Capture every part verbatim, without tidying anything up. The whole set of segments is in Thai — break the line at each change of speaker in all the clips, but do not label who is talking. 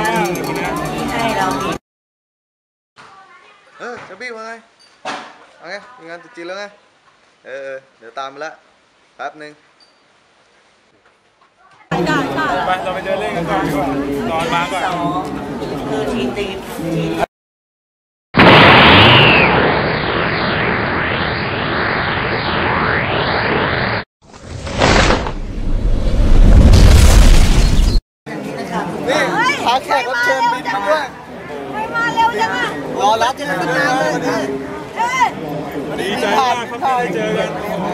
ให้เรา
เออจะบี้มาไงเอาไงมีงานตุ๊จีนแล้วไงเออเดี๋ยวตามไปละแป๊บนึง
ไปเราไปเดินเล่นกันก่อนดีกว่านอนมาก่อน
คือทีตี
นี่พาแขกรับเชิญบินมาด้วย
ไม่มาเร็วจังอ่ะ
รอรับที่สนามเลย
ดีใจมากครับที่ได้เจอกัน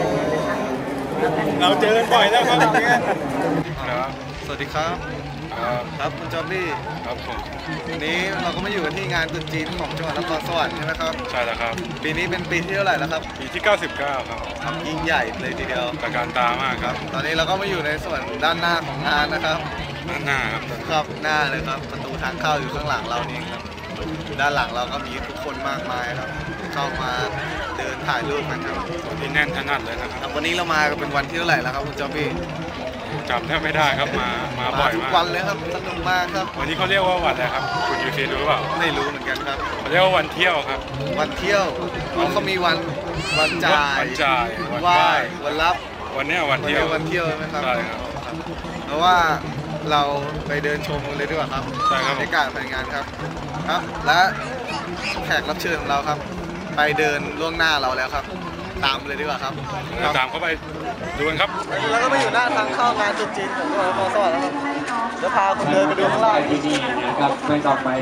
เราเจอกันบ่อยแล้วครับ
สวัสดีครับครับคุณจอมบี้
ครับผม
วันนี้เราก็มาอยู่กันที่งานตรุษจีนของจังหวัดนครสวรรค์ใช่ไหมครับ
ใช่แล้วครับ
ปีนี้เป็นปีที่เท่าไหร่แล้วครับ
ปีที่เก้าสิบเก้าครับ
ครับยิ่งใหญ่เลยทีเดียว
ตระการตามากครับ
ตอนนี้เราก็มาอยู่ในส่วนด้านหน้าของงานนะครับ
ด้านหน้าครับ
ครับหน้าเลยครับประตูทางเข้าอยู่ข้างหลังเราเองครับด้านหลังเราก็มีทุกคนมากมายครับเข้ามาเดินถ่ายรูปกันครับ
วันนี้แน่นขนาดเลยนะครับ
วันนี้เรามาเป็นวันที่เท่าไหร่แล้วครับคุณจอมบี้
จำแทบไม่ได้ครับมามาบ่อยมาก
ทุกวันเลยครับสนุกมากครับ
วันนี้เขาเรียกว่าวันอะไรครับคุณยูซีรู้เปล่า
ไม่รู้เหมือนกันครับ
เขาเรียกว่าวันเที่ยวครับ
วันเที่ยวเขามีวันวันจ่าย
วันจ่าย
วันไหว้วันรับ
วันนี้วันเที่ยว
วันเที่ยวใช่ไหมครับ
ใช่ครับ
เพราะว่าเราไปเดินชมกันเลยดีกว่าครับ
ใช่ครับ
บรรยากาศภายในงานครับครับและแขกรับเชิญของเราครับไปเดินล่วงหน้าเราแล้วครับตามเลยดีกว่าครับ
ตามเข้าไปดูกันครับ
แล้วก็มาอยู่หน้าทางเข้างานตรุษจีนของจังหวัดนครสวรรค์แล้วครับจะพาคนเดินไปดูข้างล่าง
ดีๆนะครับไม่ต่อไป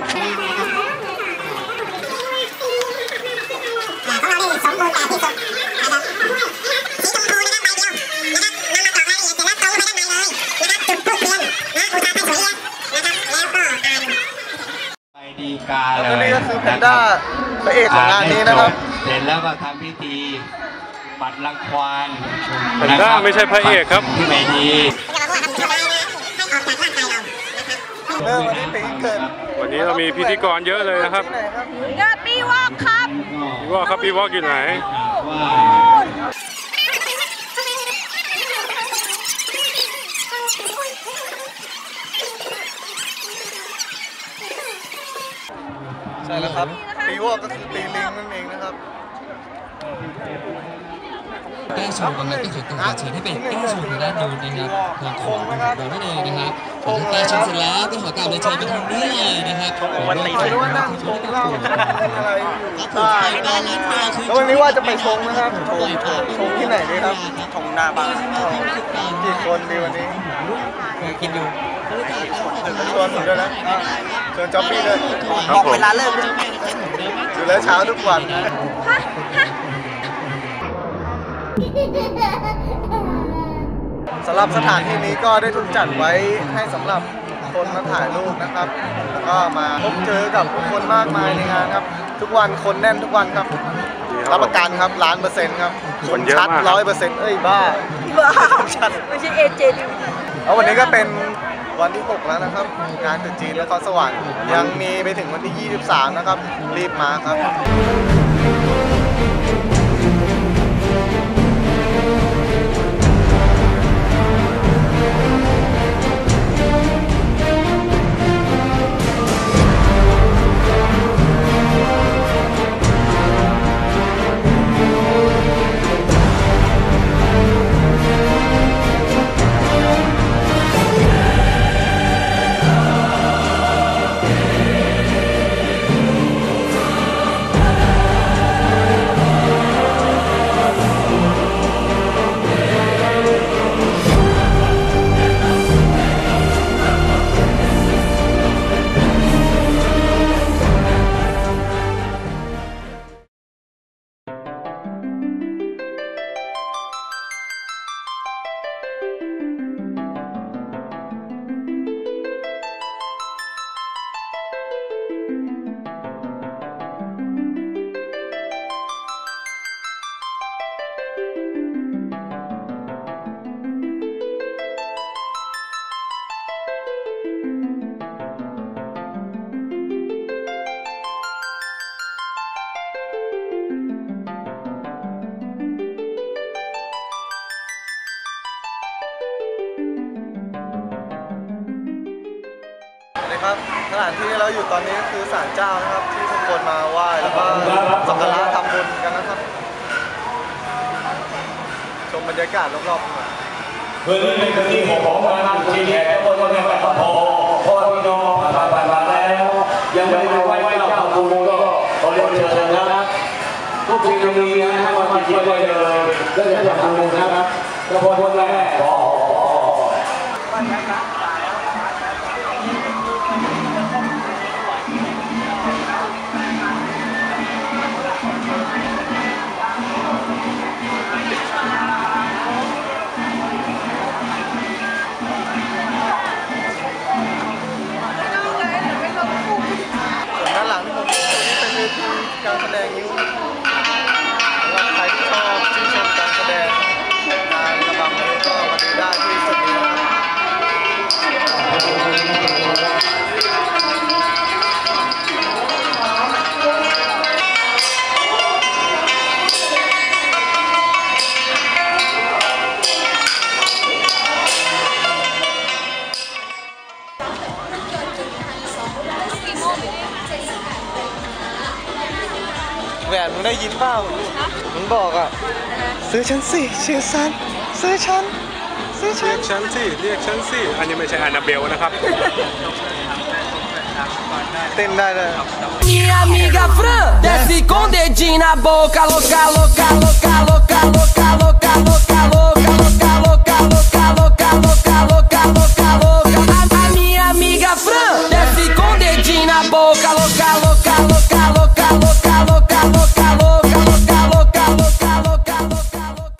ของเราได้สมบูรณ์แบบที่สุดนะครับสีชมพูนะครับใบเดียวนะครับนำมาต่อรายละเอียดเสร็จแล้วตรงไปด้านในเลยนะครับจุดทูบเทียนนะอุตส่าห์ให้สวยเลยนะครับแล้วก็อ่าน
ไปดีกาเลย
แล้วนี่ก็คือแพนด้าพระเอกของงานนี้นะครับ
เสร็จแล้วก็ทำพิธีปัดรังควาน
แพนด้าไม่ใช่พระเอกครับ
ที่ไม่ดี
เริ่มวันนี้ปีเกิด
วันนี้เรามีพิธีกรเยอะเลยนะครับ
เกิดปีวอกครับ
ปีวอกครับปีวอกอยู่ไหน
ใช่แล้วครับปีวอกก็คือปีลิงนั่นเองนะครับ
แก้ชงกำลังที่สุดต้องขอเชิญให้เป็นแก้ชงในด้านนู้นนะครับทางของโดยไม่เลยนะครับพอแก้ชงเสร็จแล้วก็ขอกราบเรียนเชิญไปทางนี้เลยนะครับ
วันนี้ไม่รู้ว่านั่งชงเหล้าอะไร
ครับผมไปบ้านร้านเบียร์คือ
แล้ววันนี้ว่าจะไปชงนะครับชงชงที่ไหนดีครับชงหน้าบ้านกี่คนดีวันนี้
คิดอยู่
ชวนผมด้วยนะชวนจ๊อบบี้ด้วย
บอกเวลาเลิก
อยู่แล้วเช้าทุกวันสำหรับสถานที่นี้ก็ได้ถูกจัดไว้ให้สำหรับคนมาถ่ายรูปนะครับแล้วก็มาพบเจอกับผู้คนมากมายในงานครับทุกวันคนแน่นทุกวันครับรับประกันครับล้านเปอร์เซ็นต์ครับคนชัดร้อยเปอร์เซ็นต์เอ้ยบ้า
ชัดไม่ใช่เอเจดิว
แล้ววันนี้ก็เป็นวันที่หกแล้วนะครับงานตรุษจีนนครสวรรค์ยังมีไปถึงวันที่ยี่สิบสามนะครับรีบมาครับครับสถานที่เราอยู่ตอนนี้ก็คือศาลเจ้านะครับที่ทุกคนมาไหว้แล้วก็สักการะทำบุญกันนะครับชมบรรยากาศรอบๆหน่อย
เพื่อที่เป็นที่ของของงานที่แขกทุกคนนะครับพอพอพี่น้องผ่านมาแล้วยังไม่ได้ไหว้เจ้าคุณก็ขอเรียนเชิญนะครับทุกสิ่งทุกอย่างนะครับมาจิตไว้เลยแล้วจะทำบุญนะครับกระพงแรกขอ
ด้านหลังที่ผมนี่เป็นเวทีการแสดงนิ้วสำหรับใครที่ชอบชื่นชมการแสดงงานระบำนี้ก็มาดูได้ที่จุดนี้แหวนมึงได้ยินเปล่ามึงบอกอ่ะซื้อฉันสิชื่อฉันซื้อฉันซื้อฉั
เรี
น
ยกฉันสิเรียกฉันสิอันนี้ไม่ใช่แอนนาเบลนะครับ
เต้นได้เลย
Minha amiga Fran desce com dedinho na boca, louca, louca, louca, louca, louca, louca, louca, louca, louca, louca, louca, louca, louca, louca, louca, louca. A minha amiga Fran desce com dedinho na boca, louca, louca, louca, louca, louca, louca, louca, louca, louca, louca, louca, louca, louca, louca.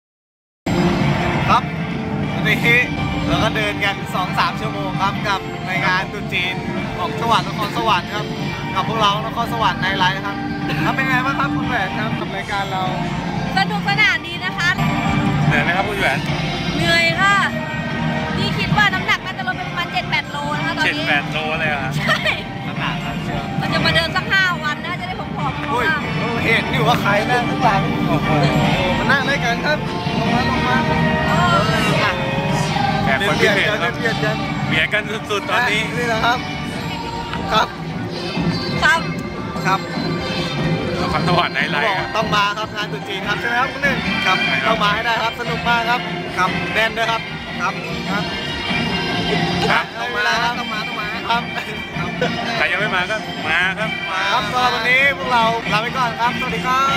ครับวันนี้เราก็เดินกัน สองถึงสาม ชั่วโมงครับกับในงานตรุษจีนของจังหวัดนครสวรรค์ครับกับพวกเรานครสวรรค์ในไลฟ์ครับครับเป็นไงบ้างครับคุณแหวนครับกับรายการเรา
สนุกสนานดีนะคะ
เหนื่อยไหมครับคุณแหวน
เหนื่อยค่ะนี่คิดว่าน้ำหนักน่าจะลดไปประมาณ เจ็ดแปด โลนะคะตอน
เจ็ด
นี้
แปดโลเลยอ่ะ
ใช่
ขนาดนั้นเชียว
เราจะมาเดินสักห้าวันนะจะได้ผอมๆ
อุ้ย
มาก
เห็นอยู่ว่าใครนั่งข้างหลังโอ้โหมานั่งด้วยกันครับลงมาลงมา
เออ
แขกคนพิเศษ
กัน
ครับ
เบียดกัน
เบียดกันสุดๆตอนนี้
นี่นะครับครับ
ครับ
ครับ
นครสวรรค์ในไล
บอก
ฟ์ครับ
ต้องมาครับงานตรุษจีนครับใช่ไหมครับคุณหนึ่งครับ
ใช่ครับ
ต้องมาให้ได้ครับสนุกมากครับครับแน่นด้วยครับครับครับ
ครับ
ต้องมาครับต้องมาต้องมาครับ
ใครยังไม่มาก็มาครับ
มาครับสำหรับวันนี้พวกเราลาไปก่อนครับสวัสดีครับ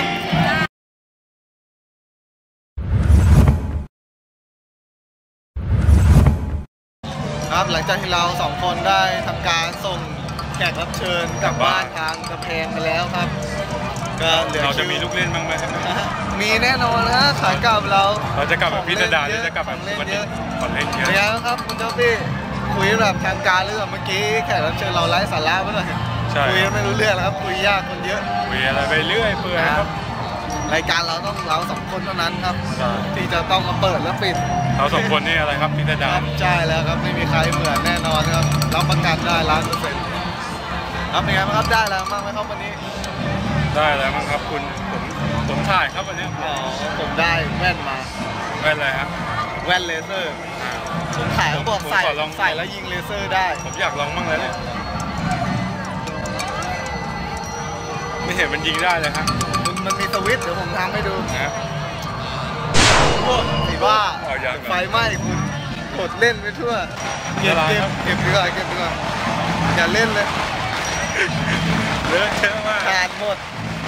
ครับหลังจากที่เราสองคนได้ทำการส่งแขกรับเชิญกลับบ้านทางกระเพงไปแล้วครับก็เหลือ
เราจะมีลูกเล่นบ้างไหมครับ
มีแน่นอนนะขายกลับเรา
เราจะกลับแบบพิสดารหรือจะกลับแบบ
ของเล่น
วัน
เย
นี้
อะ
ก่อนเล่นเยอะ
เป็นไงบ้างครับคุณเจ้าพี่คุยแบบทางการหรือแบบเมื่อกี้แขกรับเชิญเราไร้สาระไปหน่อย
ใช่
คุยไม่รู้เรื่องแล้วครับคุยยากคนเยอะ
คุยอะไรไปเรื่อยเปื่อยครับ
รายการเราต้องเราสองคนเท่านั้นครับ
ใช่
ที่จะต้องมาเปิดและปิด
เราสองคนนี่อะไรครับพิส
ค
ดา
รั
ร
บใช่แล้วครับไม่มีใครเหมือนแน่นอนครับรับประกันได้ล้านเปอร์เซ็นต์ครับเป็นไงบ้างครับได้แล้วบ้างไหมครับวันนี้
ได้แล้วมั้งครับคุณผมผมถ่ายครับวันนี้
อ๋อผมได้แว่นมา
ไม่อะไรครับ
แว่นเลเซอร์
อ่า
ผมขายเขาบอก
ผม
ใส่
ขอลอง
ใส่แล้วยิงเลเซอร์ได้
ผมอยากลองบ้างแล้วเนี่ยไม่เห็นมันยิงได้เลยครับ
มันมันมีสวิตช์เดี๋ยวผมทำให้ดู
นะ
โอ้สีบ้า
อ๋อยังเหรอ
ไฟไหม้คุณกดเล่นไปทั่วเก็บ
ละลาย
เก็
ครับ บ
เก็บดีกว่าเก็บดีกว่าอย่าเล่นเลย
เลอะเทอะมาก
ขาดหมด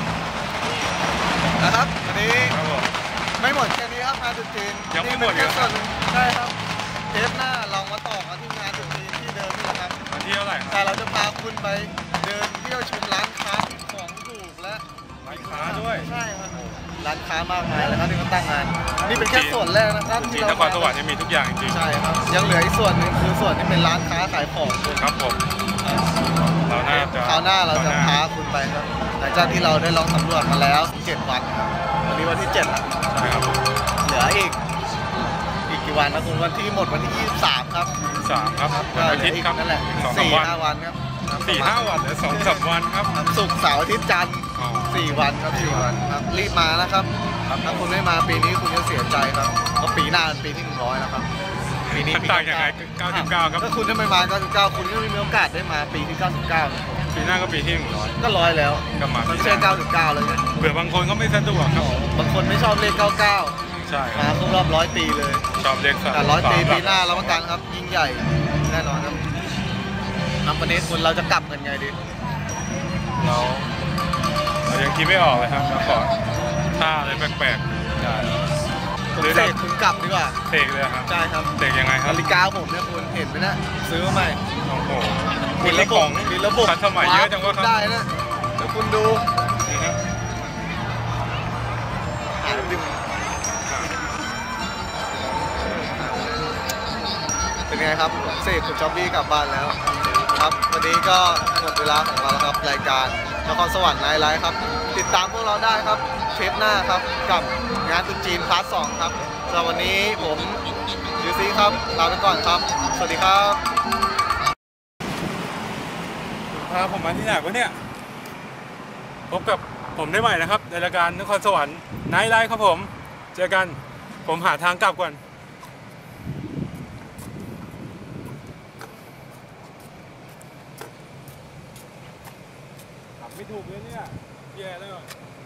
นะครับวันนี้
ครับผม
ไม่หมดแค่นี้ครับงานตรุษจีน
ยังไม่หมด
นี่เป็น
เหรอ
แค่ส่วนหนึ่งใช่ครับเทปหน้าเรามาต่อกันที่งานตรุษจีนที่เดิมนี่แหละครับ
วันที่เท่าไหร่ครับ
แต่เราจะพาคุณไปเดินเที่ยวชมร้านค้าที่ของถูกและ
ร้านค้าด้วย
ใช่ครับร้านค้ามากมายเลยครับที่เขาตั้งงานนี่เป็นแค่ส่วนแรกนะครับ
จริ
ที่
งๆน
เรา
ครสวรรค์เนี่ยมีทุกอย่างจริง
ใช่ครับยังเหลืออีกส่วนหนึ่งคือส่วนที่เป็นร้านค้าขายของคุณ
ๆครับผมเราน่าจะ
คราวหน้าเราจะ
ค
พา
หน้
คุณไปครับหลังจากที่เราได้ลองสำรวจมาแล้วเจ็ดวันครับวันนี้วันที่เจ็ดแล้ว
ใช่ครับ
เหลืออีกอีกกี่วันนะคุณวันที่หมดวันที่ยี่สิบสามครับ
สามครับ
ก็
วัน
เห
อา
ลื
ทิ
อ
ตย์ครับ
อีกนั่นแหละ
สองสาม
สี่
วัน
ห้าวันครับ
สี่ห้าวันหรือสองสามวันครับ
ศุกร์เสาร์อาทิตย์จันทร์
อ๋อ
สี่วันครับสี่วันครับรีบมานะครับถ้าคุณไม่มาปีนี้คุณจะเสียใจครับเพราะปีหน้าเป็นปีที่หนึ่งร้อยแล้วครับปีนี้
ต่างยังไงเก้าสิบเก้าครับ
ถ้าคุณได้ไม่มาเก้าสิบเก้าคุณก็ไม่มีโอกาสได้มาปีที่เก้าสิบเก้า
ปีหน้าก็ปีที่หนึ่งร้อย
ก็ร้อยแล้ว
ก็มา
มันเชื่อเก้าสิบเก้าแล้วไง
เผื่อบางคนก็ไม่สะดวกครับ
บางคนไม่ชอบเลขเก้าเก้า
ใช่ค
มา
รับ
ครบรอบร้อยปีเลย
ชอบเลขสาม
แต่ร้อยปี
สาม
ปีหน้ารับประกันครับยิ่งใหญ่แน่นอนครับน้ำวันนี้คุณเราจะกลับกันไงดี
เราเรายังคิดไม่ออกเลยครับเราขอท่าอะไรแปลกๆได้
คุณเสกคุณกลับดีกว่า
เสกเลยครับ
ใช่ครับ
เสกยังไงครับ
นาฬิกาผมเนี่ยคุณเห็นไหมนะซื้อมาใหม่
โอ้โห
มีระบบมีระบบ
ทันสมัยเยอะจังวะครับ
ได้นะเดี๋ยวคุณดู
นี่ครับ
หาดึงเป็นไงครับผมเสกคุณจ็อบบี้กลับบ้านแล้วครับวันนี้ก็หมดเวลาของเราแล้วครับรายการนครสวรรค์ไนท์ไลฟ์ครับติดตามพวกเราได้ครับเทปหน้าครับกับงานตรุษจีนพาร์ทสองครับสำหรับวันนี้ผมยูซีครับลาไปก่อนครับสวัสดีครับ
พาผมมาที่ไหนวะเนี่ยพบกับผมได้ใหม่นะครับในรายการนครสวรรค์ไนท์ไลฟ์ครับผมเจอกันผมหาทางกลับก่อนไม่ถูกเลยเนี่ยแย่แล้ว